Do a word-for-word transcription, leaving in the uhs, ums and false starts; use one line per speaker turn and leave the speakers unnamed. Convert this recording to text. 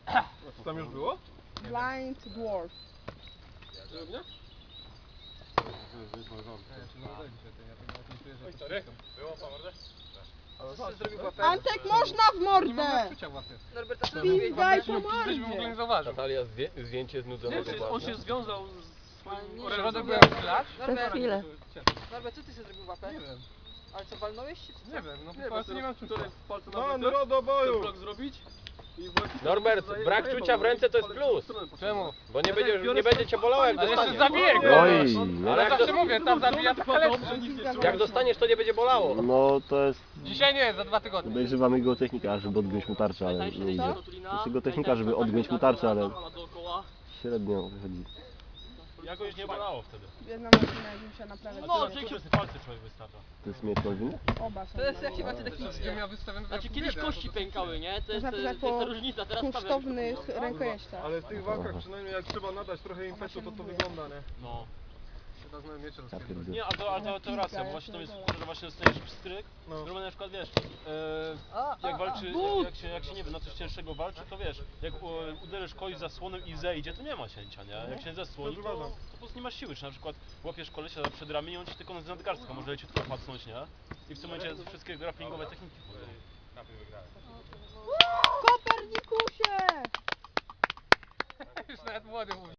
Co tam już było?
Blind Dwarf.
Żelubnia?
Antek, można w mordę!
Norbert, a co
Pizgaj po mordzie!
Natalia, zdję, zdjęcie znudzonego
Nie, on się związał z swoim
orężem.
orężem.
byłem
grać?
Norbert,
chwilę.
Norbert, co ty sobie zrobił łapę?
Nie wiem.
Ale co, walnąłeś się? Czy co?
Nie wiem, no
Nie,
po prostu
bo
nie mam czucia. Palce na
No,
blok,
do boju!
ten blok zrobić i właściwie
Norbert,
zaje-
brak
zajebał,
czucia w ręce to jest
palec
plus.
w stronę poszedł.
Czemu? Bo nie,
Ja
będzie,
tak biorę
nie będzie cię bolało jak
Ale
dostaniesz.
jeszcze zabiję go!
Oj,
Ale jak,
zawsze
do,
mówię, tam zabija to kalectwo.
jak dostaniesz, to nie będzie bolało.
No to jest...
Dzisiaj nie, za dwa tygodnie.
Podejrzewamy go technika, żeby odgiąć mu tarczę, ale nie idzie. Znaczy go technika, żeby odgiąć mu tarczę, ale średnio wychodzi.
Jakoś nie bolało wtedy.
Jedna maszyna, jak musiała naprawiać.
No, dzięki, że palce człowiek wystawia.
To jest miecz Malwiny?
Oba są.
To jest jak się macie technicznie.
Znaczy kiedyś kości pękały, nie? To jest,
Można
to
pisać
jest, to jest
po
ta różnica, teraz
kunsztownych rękojeściach.
Ale w tych walkach przynajmniej jak trzeba nadać trochę impetu, to to wygląda, nie?
No.
Chyba znałem miecze
Ja
rozpierdolone.
pierdolę.
Nie, a to, a to, to racja, bo właśnie to jest że właśnie dostajesz pstryk,
No.
no. na przykład wiesz, e, jak walczy, jak, jak, się, jak się nie wiem, na coś cięższego walczy, to wiesz, jak u, uderzysz kogoś zasłonem i zejdzie, to nie ma cięcia, nie? Jak się zasłoni, to, to po prostu nie masz siły, czy na przykład łapiesz kolesia przed ramię i on ci tylko z nadgarstka może leciutko pacnąć, nie? I w tym momencie wszystkie grapplingowe techniki wchodzą.
Kopernikusie!
Już nawet młody mówi.